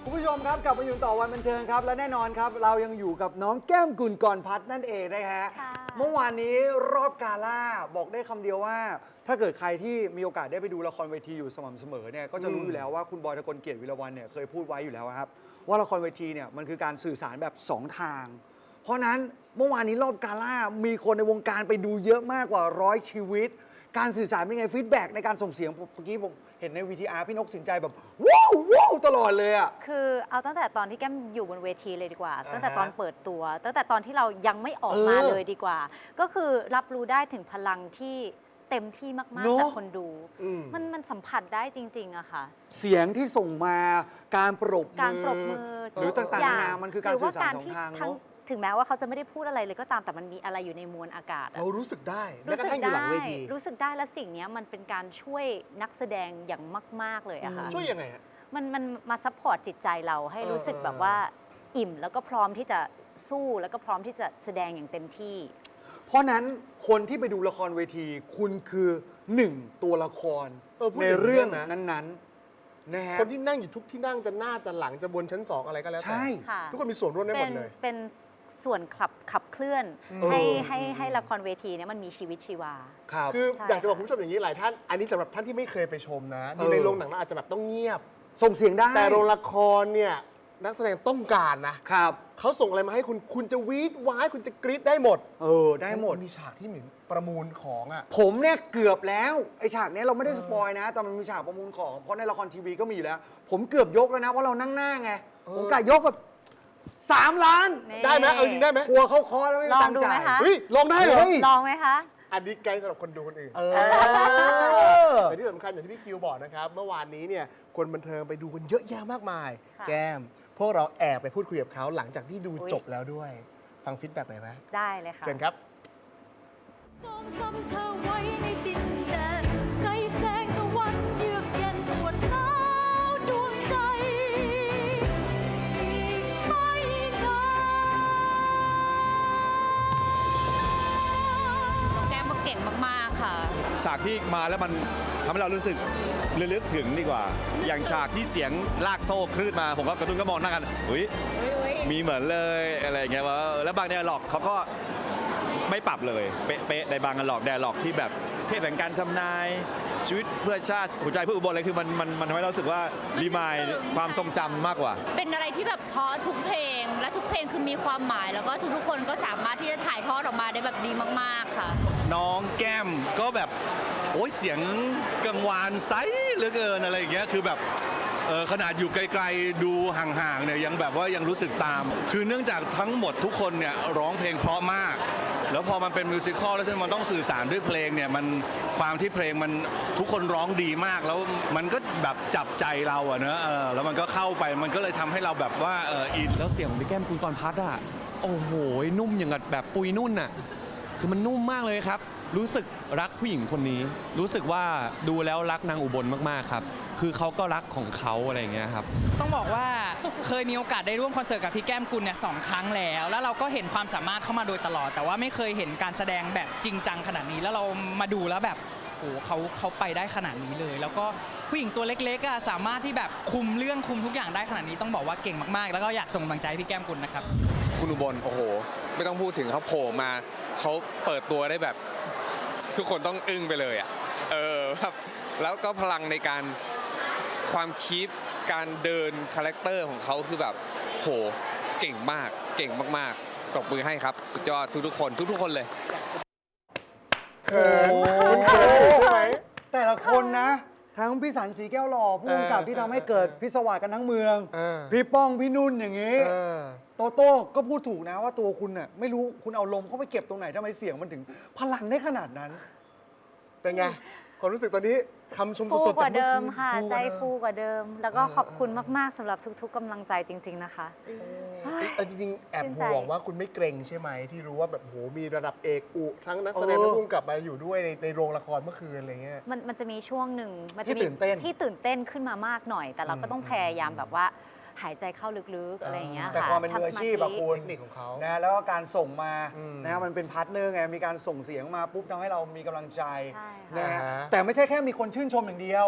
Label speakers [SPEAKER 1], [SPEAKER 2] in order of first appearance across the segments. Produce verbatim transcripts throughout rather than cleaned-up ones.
[SPEAKER 1] คุณผู้ชมครับกลับมาอยู่ต่อวันบันเทิงครับและแน่นอนครับเรายังอยู่กับน้องแก้มกุลกรพัฒน์นั่นเองนะฮะเมื่อวานนี้รอบกาล่าบอกได้คำเดียวว่า ถ้าเกิดใครที่มีโอกาสได้ไปดูละครเวทีอยู่สม่ำเสมอเนี่ยก็จะรู้อยู่แล้วว่าคุณบอยทกลเกียรติวิรวัลย์เนี่ยเคยพูดไว้อยู่แล้วครับว่าละครเวทีเนี่ยมันคือการสื่อสารแบบสองทาง เพราะนั้นเมื่อวานนี้รอบกาล่ามีคนในวงการไปดูเยอะมากกว่าร้อยชีวิตการสื่อสารเป็นไงฟีดแบ็กในการส่งเสียงเมื่อกี้ผมเห็นใน วี ที อาร์ พี่นกสินใจแบบว้าวว้าวตลอดเลยอ่ะ
[SPEAKER 2] คือเอาตั้งแต่ตอนที่แก้มอยู่บนเวทีเลยดีกว่า ตั้งแต่ตอนเปิดตัว ตั้งแต่ตอนที่เรายังไม่ออกมาเลยดีกว่า ก็คือรับรู้ได้ถึงพลังที่เต็มที่มากๆจากคนดูมันมันสัมผัสได้จริงๆอะค่ะ
[SPEAKER 1] เสียงที่ส่งมาการปรบ
[SPEAKER 2] การปรบมือ
[SPEAKER 1] หรือต่างๆนานามันคือการสื่อสารสองทางเนาะ
[SPEAKER 2] ถึงแม้ว่าเขาจะไม่ได้พูดอะไรเลยก็ตามแต่มันมีอะไรอยู่ในมวลอากาศ
[SPEAKER 3] เรารู้สึกได้แม้กระทั่งอยู่หลังเวที
[SPEAKER 2] รู้สึกได้และสิ่งนี้มันเป็นการช่วยนักแสดงอย่างมากๆเลยอะค่ะ
[SPEAKER 3] ช่วยยังไงฮะ
[SPEAKER 2] มันมันมาซัพพอร์ตจิตใจเราให้รู้สึกแบบว่าอิ่มแล้วก็พร้อมที่จะสู้แล้วก็พร้อมที่จะแสดงอย่างเต็มที่
[SPEAKER 1] เพราะนั้นคนที่ไปดูละครเวทีคุณคือหนึ่งตัวละครในเรื่องนั้นๆนะฮะ
[SPEAKER 3] คนที่นั่งอยู่ทุกที่นั่งจะหน้าจะหลังจะบนชั้นสองอะไรก็แล้วแต่ทุกคนมีส่วนร่วมได้หมดเลย
[SPEAKER 2] เป็นส่วนขับขับเคลื่อนให้ให้ให้ละครเวทีเนี่ยมันมีชีวิตชีวา
[SPEAKER 3] คืออยากจะบอกคุณผู้ชมอย่างนี้หลายท่านอันนี้สำหรับท่านที่ไม่เคยไปชมนะดูในโรงหนังเราอาจจะแบบต้องเงียบ
[SPEAKER 1] ส่งเสียงได้
[SPEAKER 3] แต่โรงละครเนี่ยนักแสดงต้องการนะครับเขาส่งอะไรมาให้คุณคุณจะวีดว้ายคุณจะกรี๊ดได้หมด
[SPEAKER 1] เออได้หมด
[SPEAKER 3] มีฉากที่เหมือนประมูลของอ่ะ
[SPEAKER 1] ผมเนี่ยเกือบแล้วไอ้ฉากนี้เราไม่ได้สปอยนะแต่มันมีฉากประมูลของเพราะในละครทีวีก็มีแล้วผมเกือบยกแล้วนะเพราะเรานั่งหน้าไงผมกะยกแบบสามล้าน
[SPEAKER 3] ได้ไหมเอาจริงได้ไหม
[SPEAKER 1] กลัวเขาคอแล้วไม่
[SPEAKER 2] มี
[SPEAKER 1] ตังค์จ่าย
[SPEAKER 3] เฮ้ยลองได้เหรอ
[SPEAKER 2] ลองไหมคะ
[SPEAKER 3] อันนี้ไกด์สำหรับคนดูคนอื่นแต่ที่สำคัญอย่างที่พี่คิวบอกนะครับเมื่อวานนี้เนี่ยคนบันเทิงไปดูกันเยอะแยะมากมายแก้มพวกเราแอบไปพูดคุยกับเขาหลังจากที่ดูจบแล้วด้วยฟังฟีดแบ็กหน่อยไหม
[SPEAKER 2] ได้เลยค่ะ
[SPEAKER 3] เชิญครับ
[SPEAKER 4] จงจำเธอไว้ในดินแดนไกลแสงตะวันเยือกเย็นปวดร้าวดวงใจอีกไม่นาน
[SPEAKER 5] แก้มก็เก่งมากๆค่ะ
[SPEAKER 6] ฉากที่มาแล้วมันทำให้เรารู้สึกระลึกถึงดีกว่าอย่างฉากที่เสียงลากโซ่คลื่นมาผมก็กระตุ้นก็มองหน้ากันอุ้ยมีเหมือนเลยอะไรอย่างเงี้ยว่าแล้วบางไดอะล็อกเขาก็ไม่ปรับเลยเป๊ะๆในบางไดอะล็อกไดอะล็อกที่แบบเทพแห่งการทำนายชีวิตเพื่อชาติหัวใจเพื่ออุบลอะไรคือมันมันมันทำให้เราสึกว่ารีมายความทรงจำมากกว่า
[SPEAKER 5] เป็นอะไรที่แบบเพราะทุกเพลงและทุกเพลงคือมีความหมายแล้วก็ทุกๆคนก็สามารถที่จะถ่ายทอดออกมาได้แบบดีมากๆค่ะ
[SPEAKER 6] น้องแก้มก็แบบโอ้ยเสียงกังวานไซส์เหลือเกินอะไรอย่างเงี้ยคือแบบเออขนาดอยู่ไกลๆดูห่างๆเนี่ยยังแบบว่ายังรู้สึกตามคือเนื่องจากทั้งหมดทุกคนเนี่ยร้องเพลงเพราะมากแล้วพอมันเป็นมิวสิควลแล้วที่มันต้องสื่อสารด้วยเพลงเนี่ยมันความที่เพลงมันทุกคนร้องดีมากแล้วมันก็แบบจับใจเราอะเนอะเออแล้วมันก็เข้าไปมันก็เลยทำให้เราแบบว่าเอออิน
[SPEAKER 7] แล้วเสียงของพี่แก้มกุลกรพัฒน์อะโอ้โหนุ่มอย่างกับแบบปุยนุ่นอะคือมันนุ่มมากเลยครับรู้สึกรักผู้หญิงคนนี้รู้สึกว่าดูแล้วรักนางอุบลมากๆครับคือเขาก็รักของเขาอะไรอย่างเงี้ยครับ
[SPEAKER 8] ต้องบอกว่าเคยมีโอกาสได้ร่วมคอนเสิร์ตกับพี่แก้มกุลเนี่ยสองครั้งแล้วแล้วเราก็เห็นความสามารถเข้ามาโดยตลอดแต่ว่าไม่เคยเห็นการแสดงแบบจริงจังขนาดนี้แล้วเรามาดูแล้วแบบโอ้เขาเขาไปได้ขนาดนี้เลยแล้วก็ผู้หญิงตัวเล็กๆอ่ะสามารถที่แบบคุมเรื่องคุมทุกอย่างได้ขนาดนี้ต้องบอกว่าเก่งมากๆแล้วก็อยากส่งกำลังใจให้พี่แก้มกุลนะครับ
[SPEAKER 9] คุณอุบลโอ้โหไม่ต้องพูดถึงเขาโผล่มาเขาเปิดตัวได้แบบทุกคนต้องอึ้งไปเลยอ่ะเออครับแล้วก็พลังในการความคิดการเดินคาแรคเตอร์ของเขาคือแบบโหเก่งมากเก่งมากๆปรบมือให้ครับสุดยอดทุกๆคนทุกๆคนเลย
[SPEAKER 3] เขินคุณเขินใช่ไหม
[SPEAKER 1] แต่ละคนนะทั้งพี่สันสีแก้วหล่อผู้กำกับที่ทำให้เกิดพิศวาสกันทั้งเมืองพี่ป้องพี่นุ่นอย่างนี้โตโต้ก็พูดถูกนะว่าตัวคุณน่ะไม่รู้คุณเอาลมเข้าไปเก็บตรงไหนทำไมเสียงมันถึงพลังได้ขนาดนั้น
[SPEAKER 3] เป็นไงความรู้สึกตอนนี้คำชมสดๆ
[SPEAKER 2] จากเดิมค่ะใจฟูกว่าเดิมแล้วก็ขอบคุณมากๆสำหรับทุกๆกำลังใจจริงๆนะคะ
[SPEAKER 3] แต่จริงๆแอบห่วงว่าคุณไม่เกรงใช่ไหมที่รู้ว่าแบบโหมีระดับเอกอุทั้งนักแสดงทั้งผู้กำกับมาอยู่ด้วยในในโรงละครเมื่อคืนอะไรเงี้ย
[SPEAKER 2] มันมันจะมีช่วงหนึ่งมันจะมีที่ตื่นเต้นขึ้นมามากหน่อยแต่เราก็ต้องพยายามแบบว่าหายใจเข้าลึกๆอะไรอย่างเงี้ยค่ะ
[SPEAKER 1] แต่ความเป็นมืออาชีพแบบคุณ
[SPEAKER 3] เทคนิคของเขา
[SPEAKER 1] นะแล้วก็การส่งมานะมันเป็นพาร์ทเนอร์ไงมีการส่งเสียงมาปุ๊บทำให้เรามีกำลังใจนะแต่ไม่ใช่แค่มีคนชื่นชมอย่างเดียว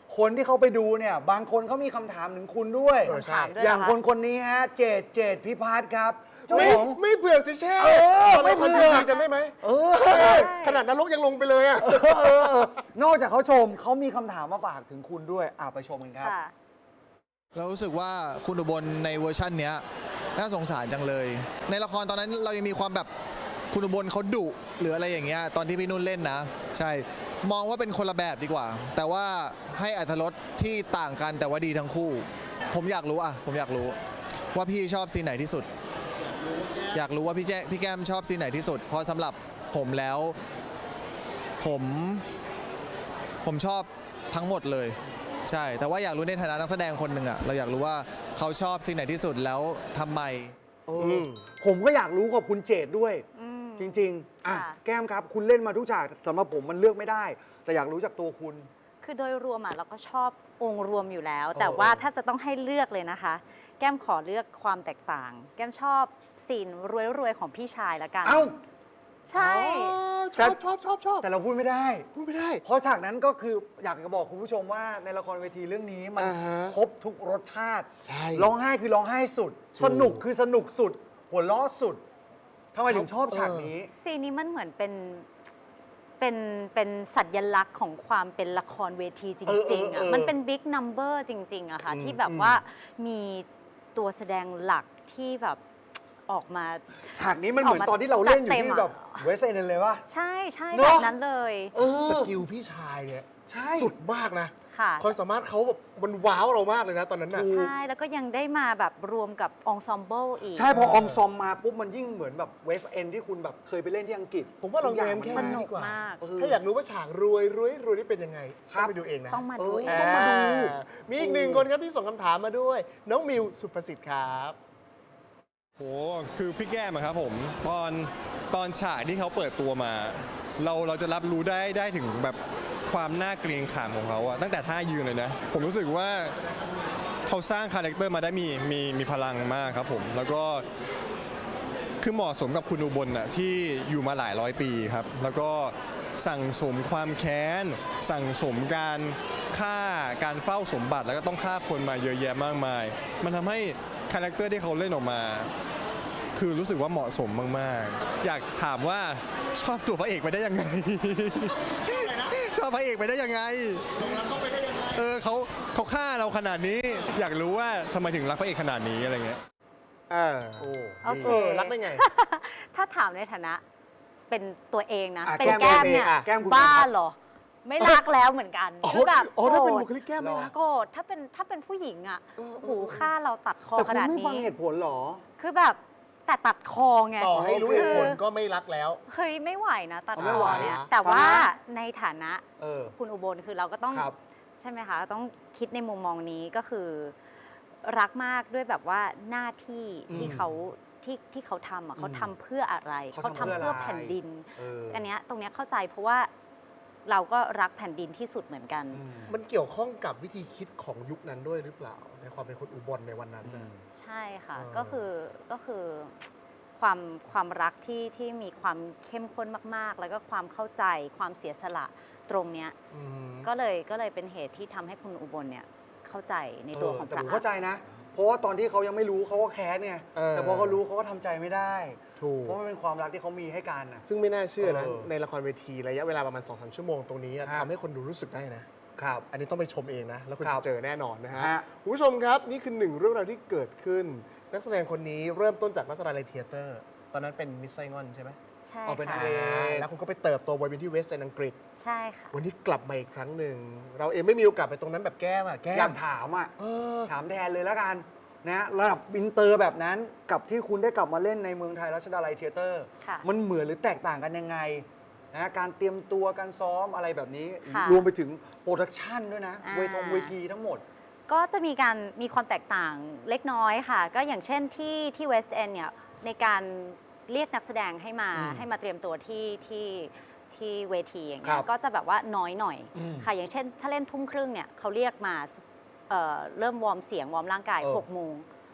[SPEAKER 1] คนที่เขาไปดูเนี่ยบางคนเขามีคำถามถึงคุณด้วย
[SPEAKER 3] เออใช่
[SPEAKER 2] ถามด้วย
[SPEAKER 1] อย่าง
[SPEAKER 2] เหรอคะ
[SPEAKER 1] คนคนนี้ฮะเจดเจดพิพัฒน์ครับเจ้า
[SPEAKER 3] ไม่
[SPEAKER 1] ของ
[SPEAKER 3] ไม่เบื่อสิเช่
[SPEAKER 1] เออ
[SPEAKER 3] ตอน
[SPEAKER 1] ไม่
[SPEAKER 3] เรา
[SPEAKER 1] เบื่
[SPEAKER 3] คน
[SPEAKER 1] อ
[SPEAKER 3] ดีจำได้ไหม
[SPEAKER 1] เออ
[SPEAKER 3] เออขนาดนรกยังลงไปเลยอะ
[SPEAKER 1] เออเออเออนอกจากเขาชมเขามีคำถามมาฝากถึงคุณด้วยอ่ะไปชมกันครับ
[SPEAKER 2] ค่ะ
[SPEAKER 10] เรารู้สึกว่าคุณอุบลในเวอร์ชันเนี้ยน่าสงสารจังเลย ในละครตอนนั้นเรายังมีความแบบคุณอุบลเขาดุหรืออะไรอย่างเงี้ยตอนที่พี่นุ่นเล่นนะ ใช่มองว่าเป็นคนละแบบดีกว่า แต่ว่าให้อรรถรสที่ต่างกันแต่ว่าดีทั้งคู่ ผมอยากรู้อ่ะผมอยากรู้ว่าพี่ชอบซีนไหนที่สุด อยากรู้ว่าพี่แจพี่แก้มชอบซีนไหนที่สุด เพราะสำหรับผมแล้วผมผมชอบทั้งหมดเลย ใช่ แต่ว่าอยากรู้ในฐานะนักแสดงคนหนึ่งอะเราอยากรู้ว่าเขาชอบซีนไหนที่สุดแล้วทำไม
[SPEAKER 1] เออผมก็อยากรู้กับคุณเจดด้วย
[SPEAKER 2] อืม
[SPEAKER 1] จริงๆอ่ะ
[SPEAKER 2] ค่ะ
[SPEAKER 1] แก้มครับ คุณเล่นมาทุกฉากสำหรับผมมันเลือกไม่ได้ แต่อยากรู้จากตัวคุณ
[SPEAKER 2] คือโดยรวมอ่ะเราก็ชอบองค์รวมอยู่แล้ว
[SPEAKER 1] เออ
[SPEAKER 2] แต่ว่าถ้าจะต้องให้เลือกเลยนะคะ แก้มขอเลือกความแตกต่าง แก้มชอบซีนรวยๆของพี่ชายละกัน
[SPEAKER 1] เอ้า
[SPEAKER 2] ใช่
[SPEAKER 3] ชอบชอบชอบชอบ
[SPEAKER 1] แต่เราพูดไม่ได้
[SPEAKER 3] พูดไม่ได้
[SPEAKER 1] เพราะฉากนั้นก็คืออยากจะบอกคุณผู้ชมว่าในละครเวทีเรื่องนี้มัน
[SPEAKER 3] อ่าฮะ
[SPEAKER 1] ครบทุกรสชาติ
[SPEAKER 3] ใช่
[SPEAKER 1] ร้องไห้คือร้องไห้สุด
[SPEAKER 3] ถูก
[SPEAKER 1] สนุกคือสนุกสุด หัวล้อสุดทำไมถึงชอบฉากนี้
[SPEAKER 2] ซีนนี้มันเหมือนเป็นเป็นเป็นสัญลักษณ์ของความเป็นละครเวทีจ
[SPEAKER 1] เออเอ
[SPEAKER 2] ริง
[SPEAKER 1] อ
[SPEAKER 2] ๆ
[SPEAKER 1] เอ
[SPEAKER 2] อ่ะ
[SPEAKER 1] อ
[SPEAKER 2] มันเป็นบิ๊กนัมเบอร์จริงๆอะค่ะ
[SPEAKER 3] อืม
[SPEAKER 2] ที่แบบ
[SPEAKER 3] อืม
[SPEAKER 2] ว่ามีตัวแสดงหลักที่แบบออกมา
[SPEAKER 1] ฉากนี้มันเหมือนตอนที่เราเล่นอยู่ที่แบบเวสเอ็นเลยว่ะ
[SPEAKER 2] ใช่ใช่
[SPEAKER 1] เน
[SPEAKER 2] แบ
[SPEAKER 1] อะ
[SPEAKER 2] บนั้นเลย
[SPEAKER 1] เออ
[SPEAKER 3] สกิลพี่ชายเนี่ย
[SPEAKER 1] ใช่
[SPEAKER 3] สุดมากนะ
[SPEAKER 2] ค่ะ
[SPEAKER 3] ความสามารถเขาแบบมันว้าวเรามากเลยนะตอนนั้นน่ะ
[SPEAKER 2] ใช่ แล้วก็ยังได้มาแบบรวมกับองซอมเบิลอีก
[SPEAKER 1] ใช่พอออมซอมมาปุ๊บมันยิ่งเหมือนแบบเวสเอ็นที่คุณแบบเคยไปเล่นที่อังกฤษ
[SPEAKER 3] ผมว่าเรา
[SPEAKER 1] ทุกอย่
[SPEAKER 3] แง้
[SPEAKER 1] ง
[SPEAKER 3] มแค่
[SPEAKER 1] มั
[SPEAKER 3] นี้
[SPEAKER 2] สนุ
[SPEAKER 3] ดี
[SPEAKER 2] ก
[SPEAKER 3] กว่า
[SPEAKER 2] มาก
[SPEAKER 1] เออ
[SPEAKER 3] ถ้าอยากรู้ว่าฉากรวยรวยรวยนี่เป็นยังไง
[SPEAKER 1] ครั
[SPEAKER 3] ต้อบ งไปดูเองนะ
[SPEAKER 2] ต้องมา
[SPEAKER 1] เอ
[SPEAKER 2] ดู
[SPEAKER 1] อ
[SPEAKER 2] เอ
[SPEAKER 1] ต้องมาดู
[SPEAKER 3] อ่มีอีกหนึ่งคนครับที่ส่งคำถามมาด้วย น้องมิวสุประสิทธิ์ครับ
[SPEAKER 11] โหคือพี่แก้มอะครับผมตอนตอนฉากที่เขาเปิดตัวมา เราเราจะรับรู้ได้ได้ถึงแบบความน่าเกรงขามของเขาอะตั้งแต่ท่ายืนเลยนะ ผมรู้สึกว่าเขาสร้างคาแรคเตอร์มาได้มีมีมีพลังมากครับผม แล้วก็คือเหมาะสมกับคุณอุบลน่ะที่อยู่มาหลายร้อยปีครับ แล้วก็สั่งสมความแค้น สั่งสมการฆ่าการเฝ้าสมบัติแล้วก็ต้องฆ่าคนมาเยอะแยะมากมาย มันทำให้คาแรคเตอร์ที่เขาเล่นออกมา คือรู้สึกว่าเหมาะสมมากๆ อยากถามว่าชอบตัวพระเอกไปได้ยังไง ชอบพระเอกไปได้ยังไงเออเขาเขาฆ่าเราขนาดนี้ อยากรู้ว่าทำไมถึงรักพระเอกขนาดนี้อะไรเงี้ย
[SPEAKER 3] เออ
[SPEAKER 1] โอ้
[SPEAKER 2] โอเค
[SPEAKER 3] เออรักได้ไง
[SPEAKER 2] ถ้าถามในฐานะเป็นตัวเองนะ
[SPEAKER 1] อ่ะ
[SPEAKER 2] เป็น
[SPEAKER 1] แก้ม
[SPEAKER 2] แก้มเนี่ย
[SPEAKER 3] อ่ะ
[SPEAKER 1] แก้มคุณ
[SPEAKER 2] บ้า
[SPEAKER 1] ครับ
[SPEAKER 2] เหรอ ไม่รักแล้วเหมือนกัน
[SPEAKER 3] อ๋อ
[SPEAKER 2] คือแบบ
[SPEAKER 3] อ๋อถ้าเป็น
[SPEAKER 2] โกร
[SPEAKER 3] บุ
[SPEAKER 2] ธ
[SPEAKER 3] คลิกแก้มไหมนะ
[SPEAKER 2] โกรธถ้าเป็นถ้าเป็นผู้หญิงอ่ะ
[SPEAKER 3] เออเออ
[SPEAKER 2] โอ้โหฆ่าเราตัดคอ
[SPEAKER 1] แต่
[SPEAKER 2] ข
[SPEAKER 1] คุณ
[SPEAKER 2] นาด
[SPEAKER 1] ไม่ฟัง
[SPEAKER 2] นี้
[SPEAKER 1] เหตุผลเหรอ
[SPEAKER 2] คือแบบแต่ตัดคอไง
[SPEAKER 3] ต่อให้รู้เหตุผล
[SPEAKER 2] คือ
[SPEAKER 3] ก็ไม่รักแล้ว
[SPEAKER 2] เฮ้ยไม่ไหวนะตัด
[SPEAKER 1] เอา
[SPEAKER 2] ค
[SPEAKER 1] ไม่
[SPEAKER 2] อ
[SPEAKER 1] ไหว
[SPEAKER 2] เนี่ย
[SPEAKER 3] อ่ะ
[SPEAKER 2] แต่ว่า
[SPEAKER 1] ทำไม
[SPEAKER 2] ในฐานะ
[SPEAKER 1] เออ
[SPEAKER 2] คุณอุบลคือเราก็ต้อง
[SPEAKER 1] ครับ
[SPEAKER 2] ใช่ไหมคะ ต้องคิดในมุมมองนี้ก็คือรักมากด้วยแบบว่าหน้าที่
[SPEAKER 1] อืม
[SPEAKER 2] ที่เขาที่ที่เขาทำอ่ะ
[SPEAKER 1] อืม
[SPEAKER 2] เขาทำเพื่ออะไร
[SPEAKER 1] เขา
[SPEAKER 2] เขา
[SPEAKER 1] ทำ
[SPEAKER 2] ทำ
[SPEAKER 1] เพื่
[SPEAKER 2] เพื่
[SPEAKER 1] อ
[SPEAKER 2] อ
[SPEAKER 1] อะไร
[SPEAKER 2] แผ่นดิน
[SPEAKER 1] เออ
[SPEAKER 2] อันเนี้ยตรงเนี้ยเข้าใจเพราะว่าเราก็รักแผ่นดินที่สุดเหมือนกัน
[SPEAKER 1] อืม
[SPEAKER 3] มันเกี่ยวข้องกับวิธีคิดของยุคนั้นด้วยหรือเปล่า ในความเป็นคนอุบลในวันนั้น
[SPEAKER 1] อื
[SPEAKER 3] น่ะ
[SPEAKER 1] ม
[SPEAKER 2] ใช่ค่ะ
[SPEAKER 3] เออ
[SPEAKER 2] ก็คือก็คือความความรักที่ที่มีความเข้มข้นมาก ๆ แล้วก็ความเข้าใจความเสียสละตรงเนี้ย
[SPEAKER 3] อืม
[SPEAKER 2] ก็เลยก็เลยเป็นเหตุที่ทำให้คุณอุบลเนี่ยเข้าใจในตัวของ
[SPEAKER 1] แต่
[SPEAKER 2] พ
[SPEAKER 1] ผ
[SPEAKER 2] ระ
[SPEAKER 1] มเข้าใจนะ เพราะว่าตอนที่เขายังไม่รู้เขาก็แค้นไง
[SPEAKER 3] เออ
[SPEAKER 1] แต่พอเขารู้เขาก็ทำใจไม่ได้
[SPEAKER 3] ถูก
[SPEAKER 1] เพราะมันเป็นความรักที่เขามีให้กันนะ
[SPEAKER 3] ซึ่งไม่น่าเชื่อนะ
[SPEAKER 1] เออ
[SPEAKER 3] ในละครเวทีระยะเวลาประมาณ สองถึงสาม ชั่วโมงตรงนี้อะ
[SPEAKER 1] ครับ
[SPEAKER 3] ทำให้คนดูรู้สึกได้นะ
[SPEAKER 1] ครับ
[SPEAKER 3] อันนี้ต้องไปชมเองนะ แล้วคุณ
[SPEAKER 1] ครั
[SPEAKER 3] จะ
[SPEAKER 1] บ
[SPEAKER 3] เจอแน่นอนนะฮะ
[SPEAKER 1] ฮะ
[SPEAKER 3] คุณผู้ชมครับ นี่คือหนึ่งเรื่องราวที่เกิดขึ้น นักแสดงคนนี้เริ่มต้นจากนักแสดงในเทเตอร์ ตอนนั้นเป็นมิสไซงอนใช่ไหม
[SPEAKER 2] ใช่
[SPEAKER 1] เอาเป็น
[SPEAKER 2] ค่ะ
[SPEAKER 1] เอ
[SPEAKER 3] แล้วคุณก็ไปเติบโตบนเวทีเวสต์เอนอังกฤษ
[SPEAKER 2] ใช่ค่ะ
[SPEAKER 3] วันนี้กลับมาอีกครั้งหนึ่ง เราเองไม่มีโอกาสไปตรงนั้นแบบแก้มอะแก้
[SPEAKER 1] อยาม กถามอ่ะ
[SPEAKER 3] เออ
[SPEAKER 1] ถามแทนเลยแล้วกันนะระดับอินเตอร์แบบนั้นกับที่คุณได้กลับมาเล่นในเมืองไทยรัชดาลัยเทเตอร์
[SPEAKER 2] ค่ะ
[SPEAKER 1] มันเหมือนหรือแตกต่างกันยังไงนะการเตรียมตัวการซ้อมอะไรแบบนี้
[SPEAKER 2] ค่ะ
[SPEAKER 1] รวมไปถึงโปรดักชันด้วยนะ
[SPEAKER 2] อ่า
[SPEAKER 1] เวทงเวทีทั้งหมด
[SPEAKER 2] ก็จะมีการมีความแตกต่างเล็กน้อยค่ะ ก็อย่างเช่นที่ที่เวสต์เอนเนี่ยในการเรียกนักแสดงให้มา
[SPEAKER 1] อืม
[SPEAKER 2] ให้มาเตรียมตัวที่ที่ที่เวทีอย่าง
[SPEAKER 1] ค
[SPEAKER 2] เงี้
[SPEAKER 1] รั
[SPEAKER 2] ย
[SPEAKER 1] บ
[SPEAKER 2] ก็จะแบบว่าน้อยหน่อย
[SPEAKER 1] อืม
[SPEAKER 2] ค่ะ อย่างเช่น ถ้าเล่นทุ่มครึ่งเนี่ยเขาเรียกมาเอ่อเริ่มวอร์มเสียงวอร์มร่างกาย
[SPEAKER 1] เออ
[SPEAKER 2] หกโมง
[SPEAKER 1] โ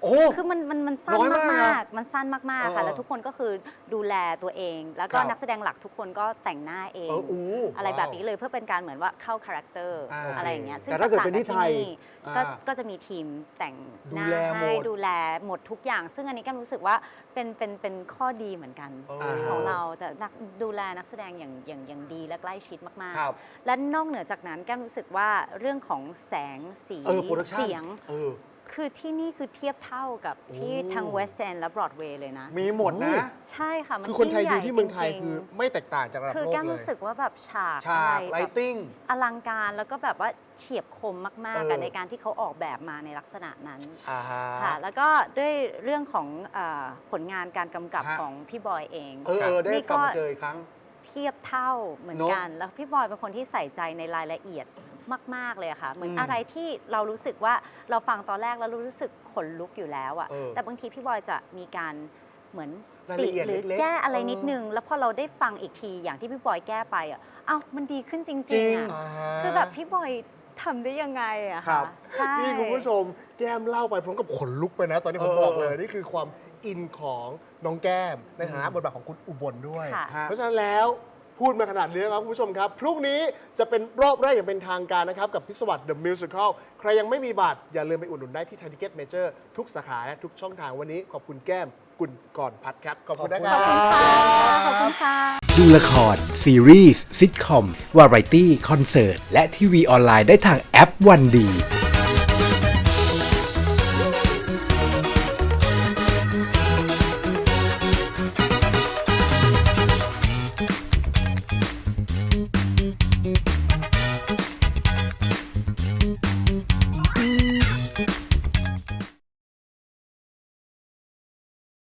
[SPEAKER 1] โอ้
[SPEAKER 2] คือมันมันมันสั้น
[SPEAKER 1] น้อยมากนะ
[SPEAKER 2] มากๆมันสั้นมากๆ
[SPEAKER 1] เออ
[SPEAKER 2] ค่ะ แล้วทุกคนก็คือดูแลตัวเอง แล้วก็
[SPEAKER 1] ครับ
[SPEAKER 2] นักแสดงหลักทุกคนก็แต่งหน้าเอง
[SPEAKER 1] เอออู้
[SPEAKER 2] อะไรแบบนี้เลยเพื่อเป็นการเหมือนว่าเข้าคาแรคเตอร์
[SPEAKER 1] อ่า
[SPEAKER 2] อะไรอย่างเงี้ยซึ่ง
[SPEAKER 1] แต่ถ้าเกิดเป็นที่ไทย
[SPEAKER 2] ก็
[SPEAKER 1] อ่า
[SPEAKER 2] ก็จะมีทีมแต่งห
[SPEAKER 1] ดู
[SPEAKER 2] น้า
[SPEAKER 1] แลหม
[SPEAKER 2] ให้
[SPEAKER 1] ด
[SPEAKER 2] ดูแลหมดทุกอย่าง ซึ่งอันนี้ก็รู้สึกว่าเป็นเป็นเป็นข้อดีเหมือนกัน
[SPEAKER 1] เออ
[SPEAKER 2] ของเราจะนักดูแลนักแสดงอย่างอย่างอย่างดีและใกล้ชิดมาก
[SPEAKER 1] ครับ
[SPEAKER 2] ๆ และนอกเหนือจากนั้นแก้มรู้สึกว่าเรื่องของแสงสี
[SPEAKER 1] เออโปรดักชั่น
[SPEAKER 2] เสียง
[SPEAKER 1] เออ
[SPEAKER 2] คือที่นี่คือเทียบเท่ากับที่
[SPEAKER 1] โอ้
[SPEAKER 2] ทางเวสต์แอนด์และบรอดเวย์เลยนะ
[SPEAKER 1] มีหมดนะ
[SPEAKER 2] ใช่ค่ะมัน
[SPEAKER 3] คือคนไทยดู
[SPEAKER 2] งใหญ่
[SPEAKER 3] ที่เมืองไทย
[SPEAKER 2] จริๆ
[SPEAKER 3] คือไม่แตกต่างจากระดับ
[SPEAKER 2] คือ
[SPEAKER 3] โลก
[SPEAKER 2] แก้ม
[SPEAKER 3] เล
[SPEAKER 2] รู้
[SPEAKER 3] ย
[SPEAKER 2] สึกว่าแบบฉาก
[SPEAKER 1] ฉาก
[SPEAKER 2] อะไร
[SPEAKER 1] ไล
[SPEAKER 2] แบบ
[SPEAKER 1] ติ้ง
[SPEAKER 2] อลังการแล้วก็แบบว่าเฉียบคมมาก
[SPEAKER 1] เออ
[SPEAKER 2] ๆกันในการที่เขาออกแบบมาในลักษณะนั้น
[SPEAKER 1] อ่าฮะ
[SPEAKER 2] ค่ะ แล้วก็ด้วยเรื่องของเออผลงานการกำกับ
[SPEAKER 1] ฮะ
[SPEAKER 2] ของพี่บอยเอง
[SPEAKER 1] เออเออได้
[SPEAKER 2] นี่
[SPEAKER 1] กลับมาเจออีกครั้ง
[SPEAKER 2] เทียบเท่าเหมือน
[SPEAKER 1] เนอะ
[SPEAKER 2] กัน แล้วพี่บอยเป็นคนที่ใส่ใจในรายละเอียดมาก ๆ เลยอะค่ะ เหมือน
[SPEAKER 1] อืม
[SPEAKER 2] อะไรที่เรารู้สึกว่าเราฟังตอนแรกแล้วรู้สึกขนลุกอยู่แล้วอะ
[SPEAKER 1] เออ
[SPEAKER 2] แต่บางทีพี่บอยจะมีการเหมือน
[SPEAKER 1] ราย
[SPEAKER 2] ติ
[SPEAKER 1] ละเอียด
[SPEAKER 2] หรือ
[SPEAKER 1] เล็กๆ
[SPEAKER 2] แก้อะไร
[SPEAKER 1] เออ
[SPEAKER 2] นิดนึง แล้วพอเราได้ฟังอีกทีอย่างที่พี่บอยแก้ไปอะเอ้ามันดีขึ้นจ
[SPEAKER 1] จริ
[SPEAKER 2] ริง
[SPEAKER 1] ง
[SPEAKER 2] ๆอะ
[SPEAKER 3] อ่าฮะ
[SPEAKER 2] คือแบบพี่บอยทำได้ยังไงอะ
[SPEAKER 1] ครั
[SPEAKER 2] คะ
[SPEAKER 1] บ
[SPEAKER 2] ใช่
[SPEAKER 3] นี่คุณผู้ชมแก้มเล่าไปพร้อมกับขนลุกไปนะ ตอนนี้ผม
[SPEAKER 1] เออ
[SPEAKER 3] บอกเลย นี่คือความอินของน้องแก้ม ในฐานะบทบาทของคุณอุบลด้วย
[SPEAKER 2] ค่ะ
[SPEAKER 3] เพราะฉะนั้นแล้วพูดมาขนาดนี้ครับคุณผู้ชมครับ พรุ่งนี้จะเป็นรอบแรกอย่างเป็นทางการนะครับ กับพิศวรรษ The Musical ใครยังไม่มีบัตร อย่าลืมไปอุดหนุนได้ที่ Thai Ticket Major ทุกสาขาและทุกช่องทางวันนี้ขอบคุณแก้มกุลก่อนพัดครับ ขอบคุณนะค
[SPEAKER 1] ข
[SPEAKER 3] รั
[SPEAKER 1] อบ
[SPEAKER 2] ขอบคุณค่ะขอบคุณค่ะ
[SPEAKER 12] ดูละคร ซีรีส์ซิทคอม วาไรตี้ คอนเสิร์ต และทีวีออนไลน์ได้ทางแอปวันดี